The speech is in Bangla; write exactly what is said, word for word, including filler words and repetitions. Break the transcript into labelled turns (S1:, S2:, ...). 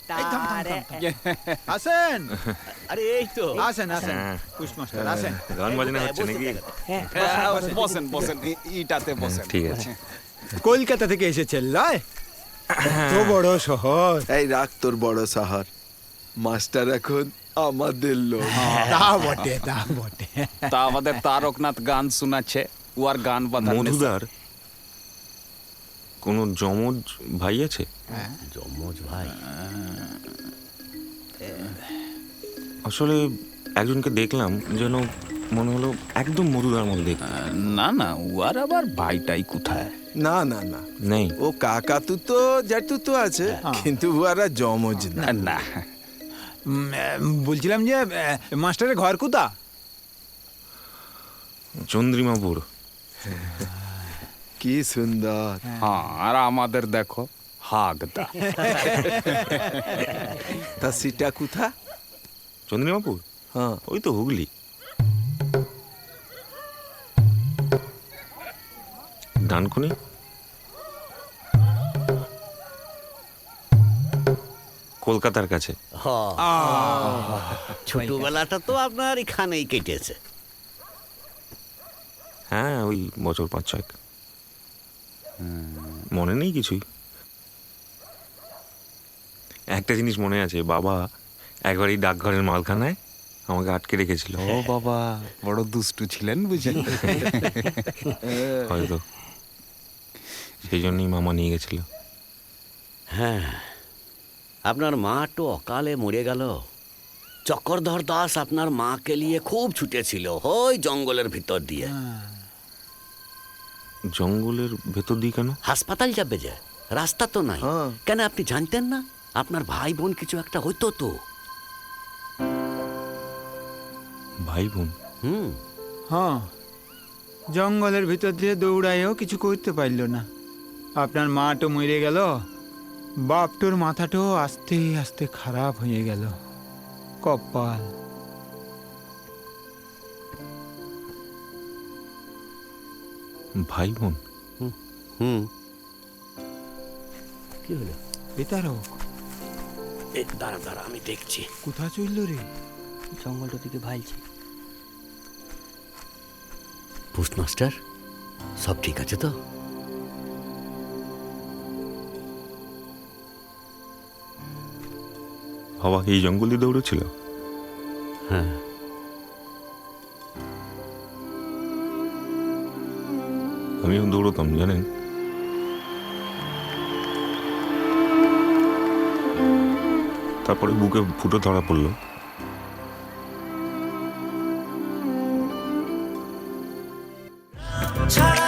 S1: আসেন
S2: আরে এই তো
S1: আসেন আসেন পুষ্পমাস্টার আসেন।
S3: গান বাজনা হচ্ছে নাকি?
S4: বসেন বসেন ই- ইটাতে বসেন।
S3: ঠিক আছে।
S1: কলকাতা থেকে এসেছেন লয়? তো বড় শহর।
S5: এই রাখ তোর বড় শহর। মাস্টার এখন আমাদের লোক।
S1: তা বটে তা বটে।
S4: তা আমাদের তারকনাথ গান শোনাচ্ছে, ও আর গান বাঁধার নেশা।
S3: মধুদার কোনো জমজ ভাই আছে?
S2: যমজ ভাই
S3: আসলে একজনকে দেখলাম যেন মনে হলো একদম মধুদার মধ্যে দেখতে।
S4: না না, ও আর আবার ভাইটাই কোথায়?
S5: না না না,
S3: নেই।
S5: ও কাকা তু তো জ্যাঠু তো আছে, কিন্তু ওরা জমজ না।
S4: না
S1: উম, বলছিলাম যে আহ, মাস্টারের ঘর কোথা?
S3: চন্দ্রিমাপুর।
S5: কি সুন্দর।
S4: হ্যাঁ, আর আমাদের দেখো হাগদা।
S5: তা সিটা কোথা?
S3: চন্দ্রিমাপুর
S5: হ্যাঁ,
S3: ওই তো হুগলি। ডানকুনি। কলকাতার কাছে।
S2: হ ছোটবেলাটা তো আপনার এখানেই কেটেছে।
S3: হ্যাঁ, ওই বছর পাঁচ ছয়েক। মনে নেই কিছুই। একটা জিনিস মনে আছে, বাবা একবার এই ডাকঘরের মালখানায় আমাকে আটকে রেখেছিল।
S4: ও বাবা, বড় দুষ্টু ছিলেন বুঝি।
S3: হয়তো সেই জন্যই মামা নিয়ে গেছিল।
S2: হ্যাঁ, আপনার মা তো অকালে মরে গেল। চক্রধর দাস আপনার মাকে নিয়ে খুব ছুটেছিল ওই জঙ্গলের ভিতর দিয়ে।
S3: জঙ্গলের ভেতর দিয়ে কেন?
S2: হাসপাতাল যাবে যে, রাস্তা তো নাই।
S5: হ্যাঁ।
S2: কেন আপনি জানতেন না? আপনার ভাই বোন কিছু একটা হইতো তো।
S3: ভাই বোন?
S2: হুম
S1: হ্যাঁ, জঙ্গলের ভিতর দিয়ে দৌড়াইও কিছু করতে পারল না। আপনার মা তো মরে গেল, বাপটোর মাথাটাও আস্তে আস্তে খারাপ হয়ে গেল। কপাল।
S3: ভাই বোন?
S2: হুম কি হলো?
S1: বেতারক
S2: এ দাঁড়া দাঁড়া, আমি দেখছি।
S1: কোথা চলল রে?
S2: জঙ্গলটা দিকে ভাইছি। পোস্টমাস্টার, সব ঠিক আছে তো?
S3: বাবা এই জঙ্গল দিয়ে দৌড়েছিল?
S2: হ্যাঁ।
S3: আমিও দৌড়তাম জানেন। তারপরে বুকে ফুটো ধরা পড়লো।
S6: ছাড়া